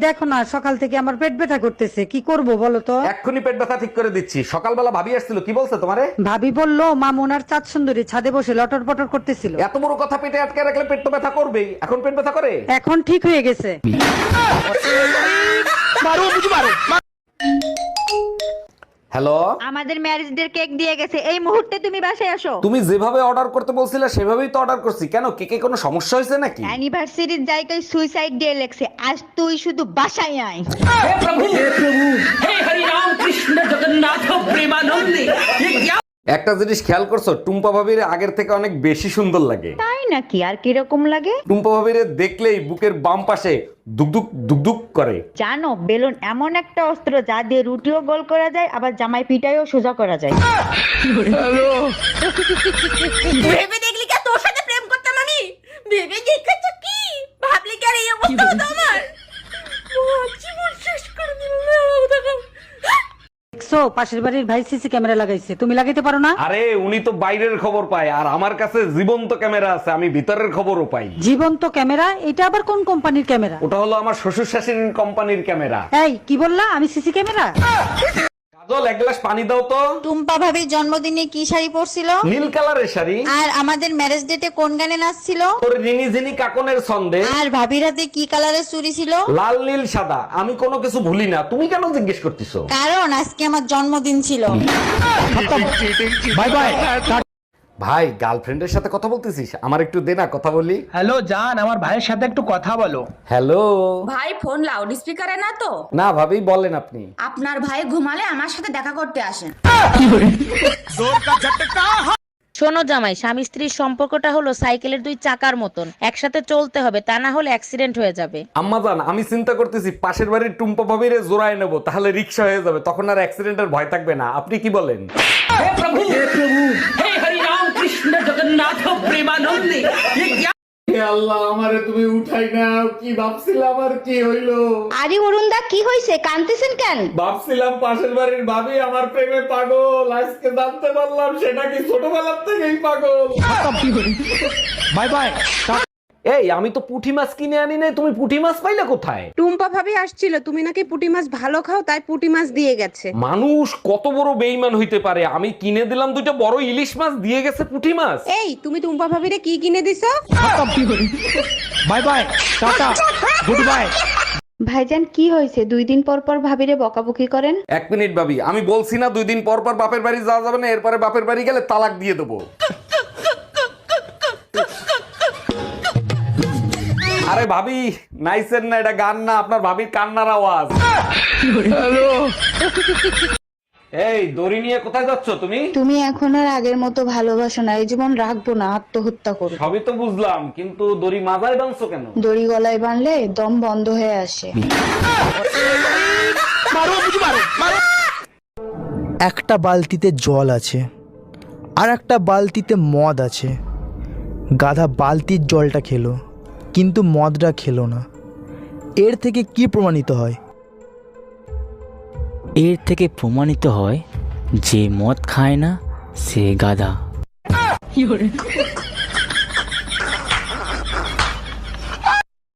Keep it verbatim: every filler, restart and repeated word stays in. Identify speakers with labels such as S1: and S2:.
S1: দেখো না সকাল থেকে আমার পেট ব্যথা করতেছে, কি করব বলো তো?
S2: এক্ষুনি পেট ব্যথা ঠিক করে দিচ্ছি। সকালবেলা ভাবি আসছিল, কি বলছে তোমারে?
S1: ভাবি বললো মামুন আর চাঁদ সুন্দরী ছাদে বসে লটর পটর করতেছিল।
S2: এত বড় কথা পেটে আটকে রাখলে পেট তো ব্যথা করবেই। এখন পেট ব্যথা করে?
S1: এখন ঠিক হয়ে গেছে।
S2: হ্যালো,
S3: আমাদের ম্যারেজ ডে কেক দিয়ে গেছে, এই মুহূর্তে তুমি বাসায় আসো।
S2: তুমি যেভাবে অর্ডার করতে বলছিলে সেভাবেই তো অর্ডার করছি। কেন, কেকে কোনো সমস্যা হয়েছে নাকি?
S3: অ্যানিভার্সারির জায়গায় সুইসাইড ডে লেখছে, আজ তুই শুধু বাসায় আয়।
S2: একটা জিনিস খেয়াল করছো, টুম্পা ভাবির আগের থেকে অনেক বেশি সুন্দর লাগে।
S3: তাই নাকি? আর কিরকম লাগে?
S2: টুম্পা ভাবির দেখলেই বুকের বাম পাশে দুকদুক দুকদুক করে।
S3: জানো, বেলুন এমন একটা অস্ত্র যা দিয়ে রুটিও গোল করা যায়, আবার জামাই পিটাইও সোজা করা যায়।
S4: ভেবে দেখলি কি তোর সাথে প্রেম করতাম আমি? ভেবে দেখেছ কি? ভাবলি কি আর এই অবস্থা হতো আমার? জীবন শেষ করে দিল।
S1: দেখছো পাশের বাড়ির ভাই সিসি ক্যামেরা লাগাইছে, তুমি লাগাইতে পারো না?
S2: আরে উনি তো বাইরের খবর পায়, আর আমার কাছে জীবন্ত ক্যামেরা আছে, আমি ভিতরের খবরও পাই।
S1: জীবন্ত ক্যামেরা? এটা আবার কোন কোম্পানির ক্যামেরা?
S2: ওটা হলো আমার শ্বশুর শাশুড়ির কোম্পানির ক্যামেরা।
S1: এই কি বললা? আমি সিসি ক্যামেরা?
S2: কাজল, এক গ্লাস পানি দাও তো।
S3: টুম্পা ভাবির জন্মদিনে কি শাড়ি পরছিল?
S2: নীল কালারের শাড়ি।
S3: আর আমাদের ম্যারেজ ডেটে কোন গানে নাচছিল?
S2: তোর রিনি জিনি কাকনের ছন্দে।
S3: আর ভাবির হাতে কি কালারের চুড়ি ছিল?
S2: লাল নীল সাদা, আমি কোনো কিছু ভুলি না। তুমি কেন জিজ্ঞেস করতেছো?
S3: কারণ আজকে আমার জন্মদিন ছিল।
S2: Bye bye. ভাই, গার্লফ্রেন্ডের সাথে কথা বলতেছিস? আমার একটু দে না, কথা বলি।
S5: হ্যালো জান, আমার ভাইয়ের সাথে একটু কথা বলো।
S2: হ্যালো।
S4: ভাই ফোন লাউড স্পিকারে না তো?
S2: না ভাবি, বলেন আপনি।
S4: আপনার ভাই ঘুমালে আমার সাথে দেখা করতে আসেন।
S6: শোনো জামাই, স্বামী স্ত্রীর সম্পর্কটা হলো সাইকেলের দুই চাকার মতন, একসাথে চলতে হবে, তা না হলে অ্যাক্সিডেন্ট হয়ে যাবে।
S2: আম্মাজান, আমি চিন্তা করতেছি পাশের বাড়ির টুম্পা ভাবিরে জোড়ায় নেবো, তাহলে রিক্সা হয়ে যাবে, তখন আর অ্যাক্সিডেন্টের ভয় থাকবে না। আপনি কি বলেন? আল্লাহ, আমারে তুমি উঠাই নাও। কি ভাবছিলাম আর কি হইলো?
S3: আরে অরুণদা, কি হয়েছে? কাঁদতেছেন কেন?
S2: ভাবছিলাম পাশের বাড়ির ভাবি আমার প্রেমে পাগল, আজকে জানতে পারলাম সেটা কি ছোটবেলার থেকেই পাগল।
S5: Bye bye.
S2: এই, আমি তো পুঁটি মাছ কিনে আনি নাই, তুমি পুঁটি মাছ পাইলে কোথায়?
S7: টুম্পা ভাবি আসছিল, তুমি নাকি পুঁটি মাছ ভালো খাও, তাই পুঁটি মাছ দিয়ে গেছে।
S2: মানুষ কত বড় বেইমান হইতে পারে! আমি কিনে দিলাম দুইটা বড় ইলিশ মাছ, দিয়ে গেছে পুঁটি মাছ।
S7: এই, তুমি টুম্পা ভাবিরে কি কিনে দিছো?
S5: Bye bye, tata, goodbye.
S3: ভাইজান, কি হয়েছে? দুই দিন পর পর ভাবিরে বকাবকি করেন।
S2: এক মিনিট ভাবি, আমি বলছি না দুই দিন পর পর বাপের বাড়ি যাওয়া যাবে না, এরপরে বাপের বাড়ি গেলে তালাক দিয়ে দেবো। আরে ভাবি, নাইসেন না, এটা গান না, আপনার ভাবির কান্নার আওয়াজ। এই, দড়ি নিয়ে কোথায় যাচ্ছ তুমি?
S3: তুমি এখন আর আগের মতো ভালোবাসো না, এই জীবন রাখবো না, আত্মহত্যা করো।
S2: সবই তো বুঝলাম, কিন্তু দড়ি মাথায় বাঁধছো কেন?
S3: দড়ি গলায় বাঁধলে দম বন্ধ হয়ে আসে।
S8: একটা বালতিতে জল আছে আর একটা বালতিতে মদ আছে। গাধা বালতির জলটা খেলো কিন্তু মদটা খেলো না। এর থেকে কি প্রমাণিত হয়?
S9: এর থেকে প্রমাণিত হয় যে মদ খায় না সে গাধা।